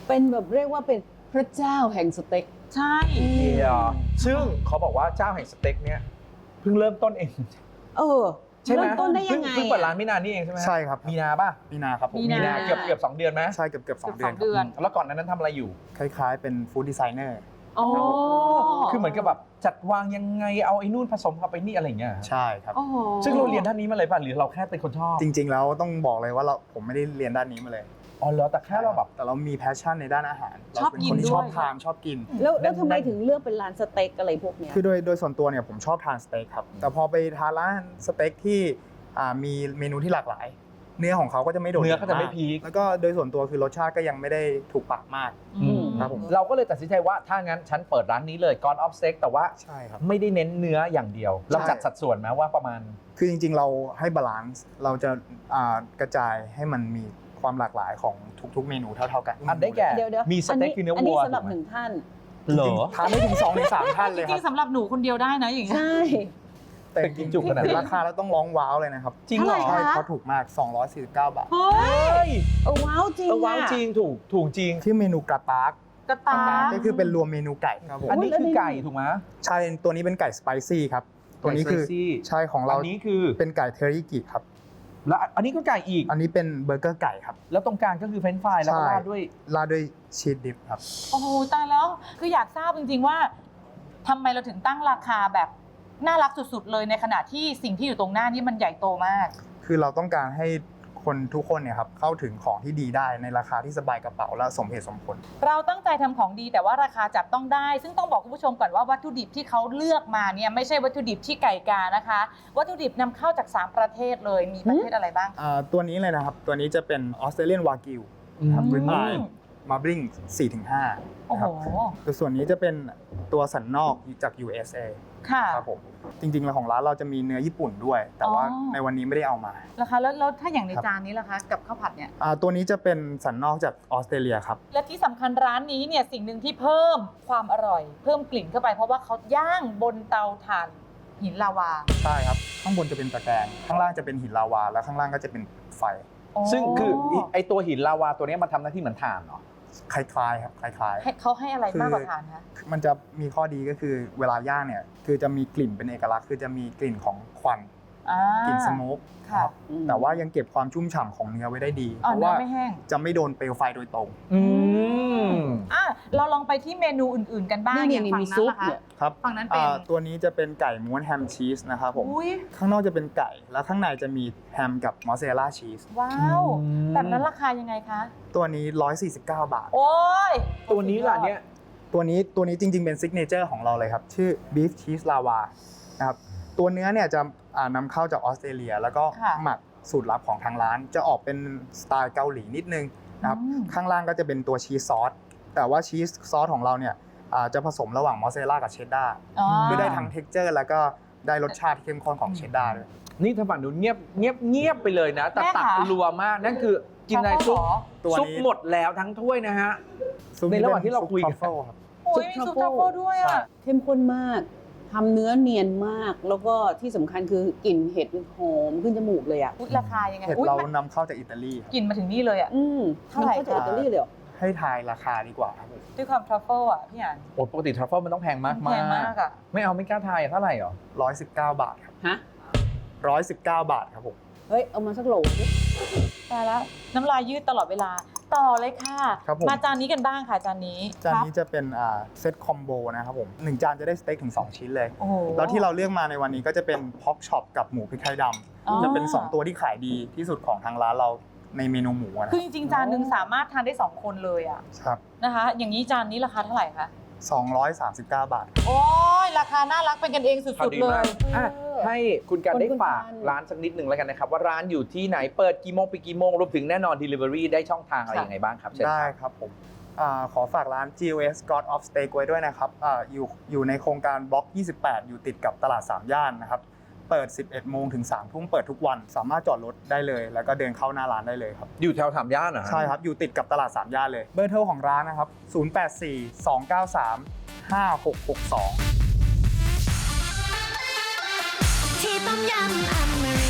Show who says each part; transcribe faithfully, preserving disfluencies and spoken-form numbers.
Speaker 1: เป็นแบบเรียกว่าเป็นพระเจ้าแห่งสเต็ก
Speaker 2: ใช่
Speaker 3: เดียวซึ่งเขาบอกว่าเจ้าแห่งสเต็กเนี่ยเพิ่งเริ่มต้นเอง
Speaker 1: เออ
Speaker 3: ใช่ไหม
Speaker 1: เริ่มต้นได้ยังไง
Speaker 3: เพิ่งเปิดร้านไม่นานนี่เองใช่ไหม
Speaker 4: ใช่ครับ
Speaker 3: มีนาป่ะ
Speaker 4: มีนาครับผม
Speaker 2: มีนา
Speaker 3: เกือบเกือบสองเดือนไหม
Speaker 4: ใช่เกือบเกือบสองเดือน
Speaker 2: เดือน
Speaker 3: แล้วก่อนนั้นทำอะไรอยู่
Speaker 4: คล้ายๆเป็นฟู้ดดีไซเนอร์
Speaker 2: อ๋อ
Speaker 3: คือเหมือนกับแบบจัดวางยังไงเอาไอ้นู่นผสมกับไอ้นี่อะไรอย่างเงี้ย
Speaker 4: ใช่ครับ
Speaker 2: โอ้โห
Speaker 3: ซึ่งเราเรียนด้านนี้มาเลยป่ะหรือเราแค่เป็นคนชอบ
Speaker 4: จริงๆแล้วต้องบอกเลยว่าเราผมไม่ได้เรียนด้านนี้มาเลย
Speaker 3: อ๋อเหรอแต่แค่เราแบบ
Speaker 4: แต่เรามีแพชชั่นในด้านอาหาร
Speaker 2: ชอบ
Speaker 4: เราเป็น
Speaker 2: กิน
Speaker 4: คนที่
Speaker 2: ด้วย
Speaker 4: ชอบทานชอบกิน
Speaker 1: แล้วแล้วทำไมถึงเลือกเป็นร้านสเต็กอะไรพวกเนี้ย
Speaker 4: คือโดยโดยส่วนตัวเนี่ยผมชอบทานสเต็กครับแต่พอไปทานร้านสเต็กที่อ่ามีเมนูที่หลากหลาย เนื้อของเขาก็จะไม่โดด
Speaker 3: เนื้อก็จะไม่
Speaker 4: าก
Speaker 3: พีค
Speaker 4: แล้วก็โดยส่วนตัวคือรสชาติก็ยังไม่ได้ถูกปากมาก
Speaker 2: อืม
Speaker 4: ครับผม
Speaker 3: เราก็เลยตัดสินใจว่าถ้างั้นฉันเปิดร้านนี้เลย God of Steak แต่ว่า
Speaker 4: ใช่ครับ
Speaker 3: ไม่ได้เน้นเนื้ออย่างเดียว เราจัดสัดส่วนไหมว่าประมาณ
Speaker 4: คือจริงๆเราให้บาลานซ์เราจะอ่ากระจายให้มันมีความหลากหลายของทุกๆเมนูเท่าๆกัน
Speaker 3: อันได้แก่
Speaker 1: เดี๋ยวเดี๋ยว
Speaker 3: มีสเต็กคือเนื้อวัว
Speaker 1: อันนี้สำหรับ
Speaker 3: ถูกไหม
Speaker 1: หนึ่งท่าน
Speaker 3: เหรอ
Speaker 4: ทานได้ถึงสองถึงสามท่าน
Speaker 2: จ
Speaker 4: เลยค
Speaker 2: ริ
Speaker 4: รับ
Speaker 2: งๆสำหรับหนูคนเดียวได้นะอย่างเงี้ย
Speaker 1: ใช่
Speaker 4: แต่จริง
Speaker 3: จุกขนาดนั้น
Speaker 4: ๆราคาแล้วต้องร้องว้าวเลยนะครับ
Speaker 3: จริงเหรอ
Speaker 2: เท่าไหร่
Speaker 4: ใช่
Speaker 2: คะ
Speaker 4: เขาถูกมาก สองร้อยสี่สิบเก้า บาท
Speaker 2: เฮ้
Speaker 3: เฮ้
Speaker 2: ย
Speaker 3: ย
Speaker 1: เออว้าวจริง
Speaker 3: เออว้าว
Speaker 1: อะ
Speaker 3: จริงถูกถูกจริง
Speaker 4: ที่เมนูกระตาก
Speaker 2: กระตา
Speaker 4: ก็คือเป็นรวมเมนูไก่ครับผม
Speaker 3: อันนี้คือไก่ถูกไหม
Speaker 4: ใช่ตัวนี้เป็นไก่สไปซี่ครับตัวนี้คือ
Speaker 3: ไก่ spicy
Speaker 4: ใช่ของเรา
Speaker 3: อันนี้คือ
Speaker 4: เป็นไก่เทอริกิครับ
Speaker 3: แล้วอันนี้ก็ไก่อีก
Speaker 4: อันนี้เป็นเบอร์เกอร์ไก่ครับ
Speaker 3: แล้วตรงกลางก็คือเฟรนช์ฟรายแล้วก็
Speaker 4: ใช่
Speaker 3: ราดด้วย
Speaker 4: ราดด้วยชีสดิปครับ
Speaker 2: โอ้โหตายแล้วคืออยากทราบจริงๆว่าทำไมเราถึงตั้งราคาแบบน่ารักสุดๆเลยในขณะที่สิ่งที่อยู่ตรงหน้านี่มันใหญ่โตมาก
Speaker 4: คือเราต้องการให้คนทุกคนเนี่ยครับเข้าถึงของที่ดีได้ในราคาที่สบายกระเป๋าและสมเหตุสมผล
Speaker 2: เราตั้งใจทำของดีแต่ว่าราคาจับต้องได้ ซึ่งต้องบอกคุณผู้ชมก่อนว่าวัตถุดิบที่เขาเลือกมาเนี่ยไม่ใช่วัตถุดิบที่ไก่กานะคะ วัตถุดิบนำเข้าจากสามประเทศเลยมีประเทศอะไรบ้าง
Speaker 4: อ่าตัวนี้เลยนะครับ ตัวนี้จะเป็นออสเตรเลียนวากิวครับ
Speaker 2: อืม
Speaker 4: ริบอายมาบริง สี่ถึงห้า
Speaker 2: โอ้โห
Speaker 4: ตัวส่วนนี้จะเป็นตัวสันนอกจาก ยู เอส เอ
Speaker 2: ค่ะ
Speaker 4: ครับผมจริงๆแล้วของร้านเราจะมีเนื้อญี่ปุ่นด้วย แต่ว่า
Speaker 2: อ๋อ
Speaker 4: ในวันนี้ไม่ได้เอามา
Speaker 2: ราคาแล้วแล้วถ้าอย่างใน
Speaker 4: ครับ
Speaker 2: จานนี้ล่ะคะกับข้าวผัดเนี่ย
Speaker 4: อ่าตัวนี้จะเป็นสันนอกจากออสเตรเลียครับ
Speaker 2: และที่สำคัญร้านนี้เนี่ยสิ่งหนึ่งที่เพิ่มความอร่อย เพิ่มกลิ่นเข้าไปเพราะว่าเขาย่างบนเตาถ่านหินลาวา
Speaker 4: ใช่ครับ ข้างบนจะเป็นตะแกรงข้างล่างจะเป็นหินลาวา แล้วข้างล่างก็จะเป็นไฟ
Speaker 3: ซึ่งคือไอตัวหินลาวาตัวนี้มันทำหน้าที่เหมือนถ่านเหรอ
Speaker 4: คล้ายๆครับคล้าย
Speaker 2: ให้เขาให้อะไรมากกว่าถ่านคะ
Speaker 4: ๆ มันจะมีข้อดีก็คือเวลาย่างเนี่ยคือจะมีกลิ่นเป็นเอกลักษณ์คือจะมีกลิ่นของควัน
Speaker 2: อ่าก
Speaker 4: ลิ่นสโมก
Speaker 2: ค่ะ
Speaker 1: อืม
Speaker 4: แต่ว่ายังเก็บความชุ่มฉ่ำของเนื้อไว้ได้ดี
Speaker 2: อ๋อ
Speaker 4: เพราะ
Speaker 2: เนื้อ
Speaker 4: ว่า
Speaker 2: ไม่แห้ง
Speaker 4: จะไม่โดนเปลวไฟโดยตรง
Speaker 3: อืม
Speaker 2: อ่ะเราลองไปที่เมนูอื่นๆกันบ้าง
Speaker 1: นี่
Speaker 2: อย่าง
Speaker 1: นี่
Speaker 2: ฝั่ง
Speaker 1: มี
Speaker 2: นั้น
Speaker 1: ซุป
Speaker 2: ล่ะคะ
Speaker 1: เนี่ย
Speaker 4: ครับ
Speaker 2: ฝั่งนั้นเป็น
Speaker 4: อ่าตัวนี้จะเป็นไก่ม้วนแฮมชีสนะครับผม
Speaker 2: อุ้ย
Speaker 4: ข้างนอกจะเป็นไก่แล้วข้างในจะมีแฮมกับมอสซาเรลล่าชีส
Speaker 2: ว้าว
Speaker 3: อืม
Speaker 2: แบบนั้นราคายังไงคะ
Speaker 4: ตัวนี้หนึ่งร้อยสี่สิบเก้า บาท
Speaker 2: โอ้ย
Speaker 3: ตัวนี้ล่ะเนี่ย
Speaker 4: ตัวนี้ตัวนี้จริงๆเป็นซิกเนเจอร์ของเราเลยครับ ชื่อ Beef Cheese Lava นะครับตัวเนื้อเนี่ยจะอ่านำเข้าจากออสเตรเลีย แล้วก็หมักสูตรลับของทางร้าน จะออกเป็นสไตล์เกาหลีนิดนึงนะครับข้างล่างก็จะเป็นตัวชีสซอสแต่ว่าชีสซอสของเราเนี่ยอ่าจะผสมระหว่างมอสซาเรลล่ากับเชดดาร์
Speaker 2: อ๋อ
Speaker 4: เพื่อได้ทั้งเท็กเจอร์แล้วก็ได้รสชาติที่เข้มข้นของเชดดาร์ด้วย
Speaker 3: นี่ทางฝั่งนู้นเงียบเงียบเงียบไปเลยนะ แต่
Speaker 2: แม่
Speaker 3: ตัก
Speaker 2: คะ
Speaker 3: รัวมากนั่นคือกินในซุป
Speaker 4: ตัวนี้
Speaker 3: ซุปหมดแล้วทั้งถ้วยนะฮะ
Speaker 4: ซุป
Speaker 3: ในระหว่างที่เราคุยกัน
Speaker 4: ซุปทรัฟเฟิลครับ
Speaker 2: โอ้ยมีซุปทรัฟเฟิลด้วยอ่ะ
Speaker 1: เข้มข้นมากทำเนื้อเนียนมาก แล้วก็ที่สำคัญคือกลิ่นเห็ดหอมขึ้นจมูกเลยอ่ะ
Speaker 2: อุ๊ยราคายังไง
Speaker 4: เห็ด
Speaker 2: อุ๊ย
Speaker 4: เรา
Speaker 2: มัน
Speaker 4: นำเข้าจากอิตาลีครับ
Speaker 2: กลิ่นมาถึงนี่เลยอ่ะ
Speaker 1: อืม
Speaker 2: เท่าไหร่
Speaker 1: นเข้าจากอิตาลีเลยเหรอ
Speaker 4: ให้ทายราคาดีกว่าครับผม
Speaker 2: ด้วยความทรัฟเฟิลอ่ะพี่อ่าน
Speaker 3: โอ้ปกติทรัฟเฟิลมันต้องแพงมาก
Speaker 2: แพงมากอ่ะ
Speaker 3: ไม่เอาไม่กล้าทายอะเท่าไหร่หรอ
Speaker 4: ร้อยสิบเก้าบาทครับ
Speaker 1: ฮะ
Speaker 4: ร้อยสิบเก้าบาทครับผม
Speaker 1: เฮ้ย เอามาสักโหลสิ
Speaker 2: ตายแล้วน้ำลายยืดตลอดเวลา ต่อเลยค่ะ
Speaker 4: ครับผม
Speaker 2: มาจานนี้กันบ้างค่ะจานนี้
Speaker 4: จาน
Speaker 2: ครับ
Speaker 4: นี้จะเป็นอ่าเซตคอมโบนะครับผมหนึ่งจานจะได้สเต็กถึงสองชิ้นเลย
Speaker 2: โอ้โห
Speaker 4: แล้วที่เราเลือกมาในวันนี้ก็จะเป็นพ็อกช็อปกับหมูพริกไทยด
Speaker 2: อ๋อ
Speaker 4: ำจะเป็นสองตัวที่ขายดีที่สุดของทางร้านเราในเมนูหมูนะ
Speaker 2: คือจริงๆจานหนึ่งสามารถทานได้สองคนเลยอ่ะ
Speaker 4: ครับ
Speaker 2: นะคะ อย่างนี้จานนี้ราคาเท่าไหร่คะ
Speaker 4: สองร้อยสามสิบเก้า บาท
Speaker 2: โอ้ยราคาน่ารักเป็นกันเองสุ
Speaker 3: พอ
Speaker 2: ด
Speaker 3: ดี
Speaker 2: ๆเล
Speaker 3: มาก
Speaker 2: ย
Speaker 3: อ่ะให้คุณการได้
Speaker 1: คุณ
Speaker 3: ฝาก
Speaker 1: การ
Speaker 3: ร้านสักนิดหนึ่งแล้วกันนะครับ ว่าร้านอยู่ที่ไหนเปิดกี่โมงปิดกี่โมงรวมถึงแน่นอน Delivery ได้ช่องทางอะไร
Speaker 2: ค่ะ
Speaker 3: ยังไงบ้างครับเชิญ
Speaker 4: ได้
Speaker 3: ครับ
Speaker 4: ครับผมอ่าขอฝากร้าน จี โอ เอส God of Steak ไว้ด้วยนะครับอาอยู่อยู่ในโครงการบล็อก ยี่สิบแปด อยู่ติดกับตลาดสามย่านนะครับ เปิด สิบเอ็ดโมงถึงสามทุ่มเปิดทุกวัน สามารถจอดรถได้เลย แล้วก็เดินเข้าหน้าร้านได้เลยครับ
Speaker 3: อยู่แถวสามย่านเหรอฮะ
Speaker 4: ใช่ครับ อยู่ติดกับตลาดสามย่านเลย เบอร์โทรของร้านนะครับ ศูนย์ แปด สี่ สอง เก้า สาม ห้า หก หก สอง
Speaker 5: ที่ต้มยำอเมริ